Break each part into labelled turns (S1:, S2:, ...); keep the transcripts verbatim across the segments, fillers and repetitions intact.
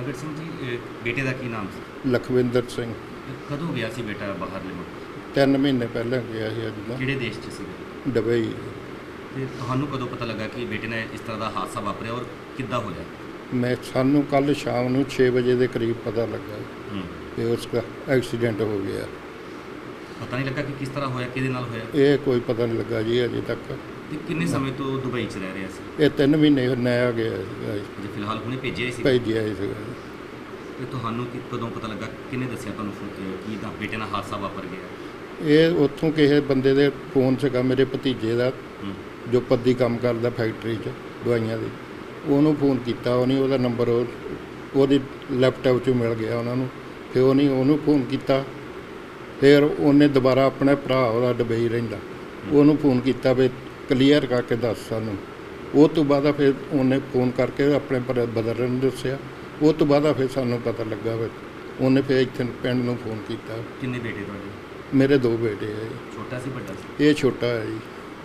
S1: ਪ੍ਰਗਟ ਸਿੰਘ ਜੀ, ਬੇਟੇ ਦਾ ਕੀ ਨਾਮ ਸੀ?
S2: ਲਖਵਿੰਦਰ ਸਿੰਘ।
S1: ਕਦੋਂ ਗਿਆ ਸੀ ਬੇਟਾ ਬਾਹਰਲੇ ਮੁਲਕ?
S2: ਤਿੰਨ ਮਹੀਨੇ ਪਹਿਲਾਂ ਗਿਆ ਸੀ ਅੱਜ ਦਾ।
S1: ਕਿਹੜੇ ਦੇਸ਼ 'ਚ ਸੀਗਾ?
S2: ਦੁਬਈ।
S1: ਤੇ ਤੁਹਾਨੂੰ ਕਦੋਂ ਪਤਾ ਲੱਗਾ ਕਿ ਬੇਟੇ ਨੇ ਇਸ ਤਰ੍ਹਾਂ ਦਾ ਹਾਦਸਾ ਵਾਪਰਿਆ ਔਰ ਕਿੱਦਾਂ ਹੋਇਆ?
S2: ਮੈਂ ਸਾਨੂੰ ਕੱਲ ਸ਼ਾਮ ਨੂੰ ਛੇ ਵਜੇ ਦੇ ਕਰੀਬ ਪਤਾ ਲੱਗਾ
S1: ਹੂੰ
S2: ਕਿ ਉਸ ਦਾ ਐਕਸੀਡੈਂਟ ਹੋ ਗਿਆ।
S1: ਪਤਾ ਨਹੀਂ ਲੱਗਾ ਕਿ ਕਿਸ ਤਰ੍ਹਾਂ ਹੋਇਆ, ਕਿਹਦੇ ਨਾਲ ਹੋਇਆ?
S2: ਇਹ ਕੋਈ ਪਤਾ ਨਹੀਂ ਲੱਗਾ ਜੀ ਅਜੇ ਤੱਕ।
S1: ਤੇ ਕਿੰਨੇ ਸਮੇਂ ਤੋਂ ਦੁਬਈ 'ਚ ਰਹਿ ਰਿਹਾ ਸੀ?
S2: ਇਹ ਤਿੰਨ ਮਹੀਨੇ ਨਇਆ ਗਿਆ ਸੀਗਾ ਜੀ,
S1: ਜੇ ਫਿਲਹਾਲ ਹੁਣੇ ਭੇਜਿਆ ਸੀ?
S2: ਭੇਜਿਆ ਹੀ ਸੀਗਾ।
S1: ਤੇ ਤੁਹਾਨੂੰ ਕਿ ਕਦੋਂ ਪਤਾ ਲੱਗਾ, ਕਿਹਨੇ ਦੱਸਿਆ ਤੁਹਾਨੂੰ ਫੋ- ਅਹ ਕੀ ਦਾ ਬੇਟੇ ਨਾਲ ਹਾਦਸਾ ਵਾਪਰ ਗਿਆ?
S2: ਇਹ ਉੱਥੋਂ ਕਿਸੇ ਬੰਦੇ ਦੇ ਫੋਨ ਸੀਗਾ, ਮੇਰੇ ਭਤੀਜੇ ਦਾ,
S1: ਹੂੰ
S2: ਜੋ ਪੱਦੀ ਕੰਮ ਕਰਦਾ ਫੈਕਟਰੀ 'ਚ ਦਵਾਈਆਂ ਦੀ। ਉਹਨੂੰ ਫੋਨ ਕੀਤਾ, ਉਹਨੇ ਉਹਦਾ ਨੰਬਰ ਉਹ ਉਹਦੀ ਲੈਪਟਾਪ 'ਚੋਂ ਮਿਲ ਗਿਆ ਉਹਨਾਂ ਨੂੰ। ਫਿਰ ਉਹਨੇ ਉਹਨੂੰ ਫੋਨ ਕੀਤਾ। ਫਿਰ ਉਹਨੇ ਦੁਬਾਰਾ ਆਪਣੇ ਭਰਾ, ਉਹਦਾ ਦੁਬਈ ਰਹਿੰਦਾ, ਉਹਨੂੰ ਫੋਨ ਕੀਤਾ ਵੀ ਕਲੀਅਰ ਕਰਕੇ ਦੱਸ ਸਾਨੂੰ। ਉਹ ਤੋਂ ਬਾਅਦ ਫਿਰ ਉਹਨੇ ਫੋਨ ਕਰਕੇ ਆਪਣੇ ਪਰ ਬਦਰਨ ਨੂੰ ਦੱਸਿਆ। ਉਹ ਤੋਂ ਬਾਅਦ ਫਿਰ ਸਾਨੂੰ ਪਤਾ ਲੱਗਾ ਵੀ ਉਹਨੇ ਫਿਰ ਇੱਥੇ ਪਿੰਡ ਨੂੰ ਫੋਨ ਕੀਤਾ।
S1: ਕਿੰਨੇ ਬੇਟੇ ਤੁਹਾਡੇ?
S2: ਮੇਰੇ ਦੋ ਬੇਟੇ ਆ ਜੀ।
S1: ਛੋਟਾ ਸੀ ਵੱਡਾ ਸੀ?
S2: ਇਹ ਛੋਟਾ ਹੈ ਜੀ।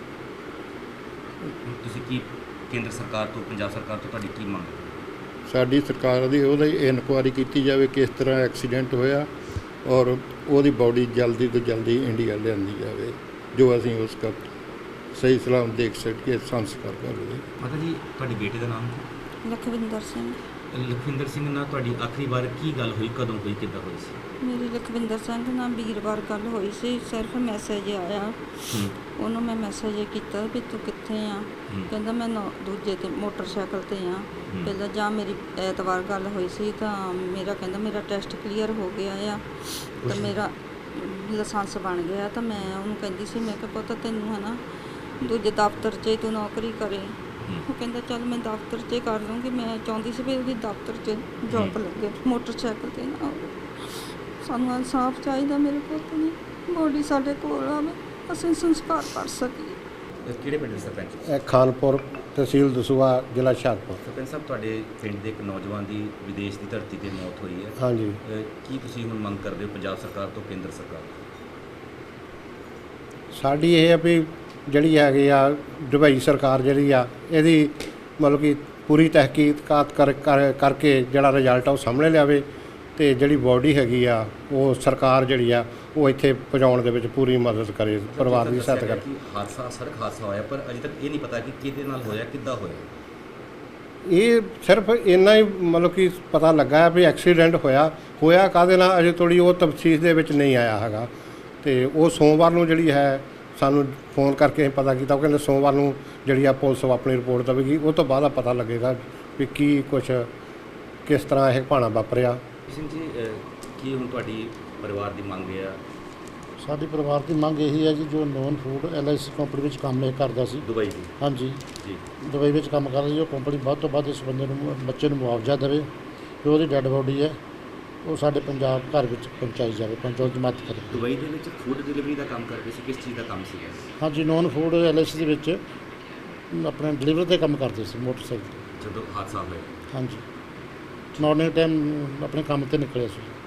S1: ਹੁਣ ਤੁਸੀਂ ਕੀ ਕੇਂਦਰ ਸਰਕਾਰ ਤੋਂ, ਪੰਜਾਬ ਸਰਕਾਰ ਤੋਂ ਤੁਹਾਡੀ ਕੀ ਮੰਗ ਹੈ?
S2: ਸਾਡੀ ਸਰਕਾਰ ਦੀ ਉਹਦੀ ਇਨਕੁਆਇਰੀ ਕੀਤੀ ਜਾਵੇ ਕਿਸ ਤਰ੍ਹਾਂ ਐਕਸੀਡੈਂਟ ਹੋਇਆ, ਔਰ ਉਹਦੀ ਬਾਡੀ ਜਲਦੀ ਤੋਂ ਜਲਦੀ ਇੰਡੀਆ ਲਿਆਂਦੀ ਜਾਵੇ, ਜੋ ਅਸੀਂ ਉਸ ਦਾ ਸਹੀ ਸਲਾਮ ਦੇਖ ਸਕੀਏ, ਸੰਸਕਾਰ ਕਰ ਲਈਏ।
S1: ਮਾਤਾ ਜੀ, ਤੁਹਾਡੇ ਬੇਟੇ ਦਾ ਨਾਮ?
S3: ਲਖਵਿੰਦਰ ਸਿੰਘ।
S1: ਲਖਵਿੰਦਰ ਸਿੰਘ ਨਾਲ ਤੁਹਾਡੀ ਆਖਰੀ ਵਾਰ ਕੀ ਗੱਲ ਹੋਈ, ਕਦੋਂ ਹੋਈ, ਕਿੱਦਾਂ ਹੋਈ ਸੀ?
S3: ਮੇਰੀ ਲਖਵਿੰਦਰ ਸਿੰਘ ਨਾਲ ਵੀਰਵਾਰ ਗੱਲ ਹੋਈ ਸੀ। ਸਿਰਫ ਮੈਸੇਜ ਆਇਆ,
S1: ਹੂੰ
S3: ਉਹਨੂੰ ਮੈਂ ਮੈਸੇਜ ਕੀਤਾ ਵੀ ਤੂੰ ਕਿੱਥੇ ਆ।
S1: ਹੂੰ
S3: ਕਹਿੰਦਾ ਮੈਂ ਨੌ ਦੂਜੇ ਤੇ ਮੋਟਰਸਾਈਕਲ ਤੇ ਆ।
S1: ਹੂੰ।
S3: ਪਹਿਲਾਂ ਜਾਂ ਮੇਰੀ ਐਤਵਾਰ ਗੱਲ ਹੋਈ ਸੀ ਤਾਂ ਮੇਰਾ ਕਹਿੰਦਾ ਮੇਰਾ ਟੈਸਟ ਕਲੀਅਰ ਹੋ ਗਿਆ ਆ ਤਾਂ ਮੇਰਾ ਲਾਇਸੈਂਸ ਬਣ ਗਿਆ। ਤਾਂ ਮੈਂ ਉਹਨੂੰ ਕਹਿੰਦੀ ਸੀ, ਮੈਂ ਕਿਹਾ ਪੁੱਤ ਤੈਨੂੰ ਹੈ ਨਾ ਦੂਜੇ ਦਫ਼ਤਰ 'ਚ ਹੀ ਤੂੰ ਨੌਕਰੀ ਕਰੇ। ਉਹ ਕਹਿੰਦਾ ਚੱਲ ਮੈਂ ਦਫ਼ਤਰ 'ਚ ਕਰ ਲੂੰਗੀ। ਮੈਂ ਚਾਹੁੰਦੀ ਸੀ ਵੀ ਉਹਦੀ ਦਫ਼ਤਰ 'ਚ ਜੌਬ ਲੱਗੇ, ਮੋਟਰਸਾਈਕਲ 'ਤੇ ਨਾ ਹੋਵੇ। ਸਾਨੂੰ ਇਨਸਾਫ ਚਾਹੀਦਾ, ਮੇਰੇ ਪੁੱਤ ਦੀ ਬੋਡੀ ਸਾਡੇ ਕੋਲ ਆਵੇ, ਅਸੀਂ ਸੰਸਕਾਰ ਕਰ ਸਕੀਏ।
S1: ਇਹ ਕਿਹੜੇ ਪਿੰਡ ਦੇ ਸਰਪੰਚ?
S4: ਇਹ ਖਾਨਪੁਰ, ਤਹਿਸੀਲ ਦਸੂਹਾ, ਜ਼ਿਲ੍ਹਾ ਹੁਸ਼ਿਆਰਪੁਰ।
S1: ਸਰਪੰਚ ਸਾਹਿਬ, ਤੁਹਾਡੇ ਪਿੰਡ ਦੇ ਇੱਕ ਨੌਜਵਾਨ ਦੀ ਵਿਦੇਸ਼ ਦੀ ਧਰਤੀ ਤੇ ਮੌਤ ਹੋਈ ਹੈ।
S4: ਹਾਂਜੀ,
S1: ਅਹ ਕੀ ਤੁਸੀਂ ਹੁਣ ਮੰਗ ਕਰਦੇ ਹੋ ਪੰਜਾਬ ਸਰਕਾਰ ਤੋਂ, ਕੇਂਦਰ ਸਰਕਾਰ ਤੋਂ?
S4: ਸਾਡੀ ਇਹ ਆ ਵੀ ਜਿਹੜੀ ਹੈਗੀ ਆ ਦੁਬਈ ਸਰਕਾਰ ਜਿਹੜੀ ਆ, ਇਹਦੀ ਮਤਲਬ ਕਿ ਪੂਰੀ ਤਹਿਕੀਕਾਤ ਕਰ ਕਰ- ਕਰਕੇ ਜਿਹੜਾ ਰਿਜ਼ਲਟ ਆ ਉਹ ਸਾਹਮਣੇ ਲਿਆਵੇ, ਅਤੇ ਜਿਹੜੀ ਬੋਡੀ ਹੈਗੀ ਆ ਉਹ ਸਰਕਾਰ ਜਿਹੜੀ ਆ ਉਹ ਇੱਥੇ ਪਹੁੰਚਾਉਣ ਦੇ ਵਿੱਚ ਪੂਰੀ ਮਦਦ ਕਰੇ, ਪਰਿਵਾਰ ਦੀ ਸਹਾਇਤਾ ਕਰੇ।
S1: ਕਿ ਹਾਦਸਾ ਸੜਕ ਹਾਦਸਾ ਹੋਇਆ, ਪਰ ਅਜੇ ਤੱਕ ਇਹ ਨਹੀਂ ਪਤਾ ਕਿ ਕਿਹਦੇ ਨਾਲ ਹੋਇਆ, ਕਿੱਦਾਂ ਹੋਇਆ।
S4: ਇਹ ਸਿਰਫ ਇੰਨਾ ਹੀ ਮਤਲਬ ਕਿ ਪਤਾ ਲੱਗਾ ਹੈ ਵੀ ਐਕਸੀਡੈਂਟ ਹੋਇਆ ਹੋਇਆ ਕਾਹਦੇ ਨਾਲ, ਅਜੇ ਥੋੜ੍ਹੀ ਉਹ ਤਫਸੀਲ ਦੇ ਵਿੱਚ ਨਹੀਂ ਆਇਆ ਹੈਗਾ। ਅਤੇ ਉਹ ਸੋਮਵਾਰ ਨੂੰ ਜਿਹੜੀ ਹੈ ਸਾਨੂੰ ਫੋਨ ਕਰਕੇ ਅਸੀਂ ਪਤਾ ਕੀਤਾ। ਉਹ ਕਹਿੰਦੇ ਸੋਮਵਾਰ ਨੂੰ ਜਿਹੜੀ ਆ ਪੁਲਿਸ ਆਪਣੀ ਰਿਪੋਰਟ ਦੇਵੇਗੀ, ਉਹ ਤੋਂ ਬਾਅਦ ਪਤਾ ਲੱਗੇਗਾ ਵੀ ਕੀ ਕੁਛ ਕਿਸ ਤਰ੍ਹਾਂ ਇਹ ਭਾਣਾ ਵਾਪਰਿਆ।
S1: ਸਿੰਘ ਜੀ, ਅਹ ਕੀ ਹੁਣ ਤੁਹਾਡੀ ਪਰਿਵਾਰ ਦੀ ਮੰਗ ਹੈ?
S5: ਸਾਡੀ ਪਰਿਵਾਰ ਦੀ ਮੰਗ ਇਹੀ ਹੈ ਜੀ, ਜੋ non food L I C company ਵਿੱਚ ਕੰਮ ਇਹ ਕਰਦਾ ਸੀ।
S1: ਦੁਬਈ ਦੀ?
S5: ਹਾਂਜੀ,
S1: ਜੀ।
S5: ਦੁਬਈ ਵਿੱਚ ਕੰਮ ਕਰਦਾ ਸੀ। ਉਹ ਕੰਪਨੀ ਵੱਧ ਤੋਂ ਵੱਧ ਇਸ ਬੰਦੇ ਨੂੰ ਬੱਚੇ ਨੂੰ ਮੁਆਵਜ਼ਾ ਦੇਵੇ, ਜੋ ਉਹਦੀ ਡੈੱਡ ਬੋਡੀ ਹੈ ਉਹ ਸਾਡੇ ਪੰਜਾਬ ਘਰ ਵਿੱਚ ਪਹੁੰਚਾਈ ਜਾਵੇ, ਪਹੁੰਚਾਉਣ ਦੀ ਮਦਦ ਕਰੇ।
S1: ਦੁਬਈ ਦੇ ਵਿੱਚ ਫੂਡ ਡਿਲੀਵਰੀ ਦਾ ਕੰਮ ਕਰਦੇ ਸੀ, ਕਿਸ ਚੀਜ਼ ਦਾ ਕੰਮ ਸੀਗਾ?
S5: ਹਾਂਜੀ, non food L I C ਦੇ ਵਿੱਚ ਆਪਣੇ ਡਿਲੀਵਰੀ ਦੇ ਕੰਮ ਕਰਦੇ ਸੀ ਮੋਟਰਸਾਈਕਲ 'ਤੇ।
S1: ਜਦੋਂ ਹਾਦਸਾ ਹੋਇਆ?
S5: ਹਾਂਜੀ, ਮਾਰਨਿੰਗ ਟਾਈਮ ਆਪਣੇ ਕੰਮ 'ਤੇ ਨਿਕਲਿਆ ਸੀ।